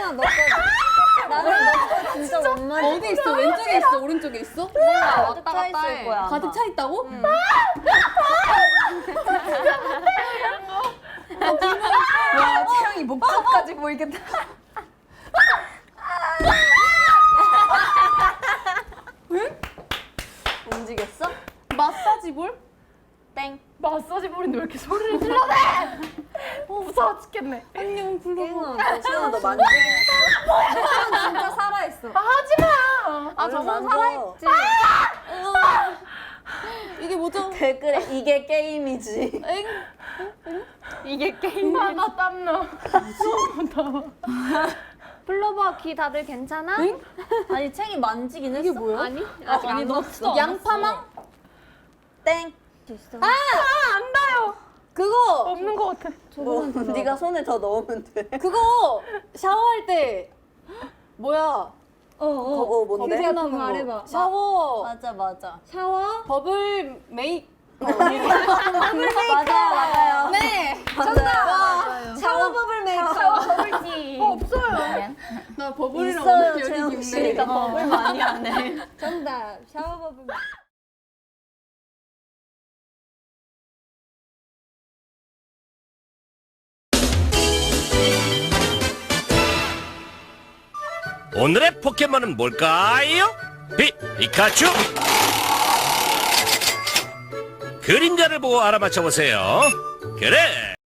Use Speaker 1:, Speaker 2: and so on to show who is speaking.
Speaker 1: 나는 너 거 진짜 못 맞을
Speaker 2: 어디 있어? 왼쪽에 있어? 오른쪽에 있어?
Speaker 1: 거야.
Speaker 2: 왔다 갔다
Speaker 1: 있을 거야. 아마.
Speaker 2: 가득 차 있다고?
Speaker 1: 와, 채영이 목젖까지 보이겠다. 움직였어?
Speaker 2: 마사지 볼?
Speaker 1: 땡.
Speaker 3: 마사지 볼인데 왜 이렇게 소리를 질러대? 무서워 죽겠네.
Speaker 2: 안녕 불러봐.
Speaker 1: 채영아, 너 만지긴 했어? 진짜 살아있어.
Speaker 3: 하지마.
Speaker 1: 아, 저건 살아있지.
Speaker 2: 이게 뭐죠?
Speaker 1: 댓글에 이게 게임이지.
Speaker 2: 엥?
Speaker 3: 이게 게임. 나 땀나.
Speaker 4: 불러봐. 귀 다들 괜찮아?
Speaker 2: 응?
Speaker 1: 아니, 챙이 만지긴 했어.
Speaker 2: 이게 뭐야?
Speaker 4: 아니?
Speaker 2: 아직 안 넣었어. 양파망?
Speaker 1: 땡.
Speaker 3: 안 닿아요.
Speaker 2: 그거!
Speaker 3: 없는 것 같아.
Speaker 1: 뭐, 네가 손에 더 넣으면 돼.
Speaker 2: 그거 샤워할 때 뭐야?
Speaker 1: 그거 뭔데?
Speaker 2: 검색하는
Speaker 4: 말해봐.
Speaker 2: 샤워.
Speaker 1: 맞아.
Speaker 2: 샤워? 버블 메이크.
Speaker 1: 맞아요.
Speaker 2: 네.
Speaker 1: 맞아요. 샤워 버블 메이크업.
Speaker 4: 버블티.
Speaker 3: 없어요.
Speaker 2: 나 버블이랑
Speaker 1: 있어요,
Speaker 2: 오늘
Speaker 1: 채영
Speaker 2: 여기
Speaker 1: 씨가
Speaker 2: 있네.
Speaker 1: 버블 많이 하네.
Speaker 2: 정답. 샤워 버블.
Speaker 5: 오늘의 포켓몬은 뭘까요? 피카츄! 그림자를 보고 알아맞혀 보세요. 그래,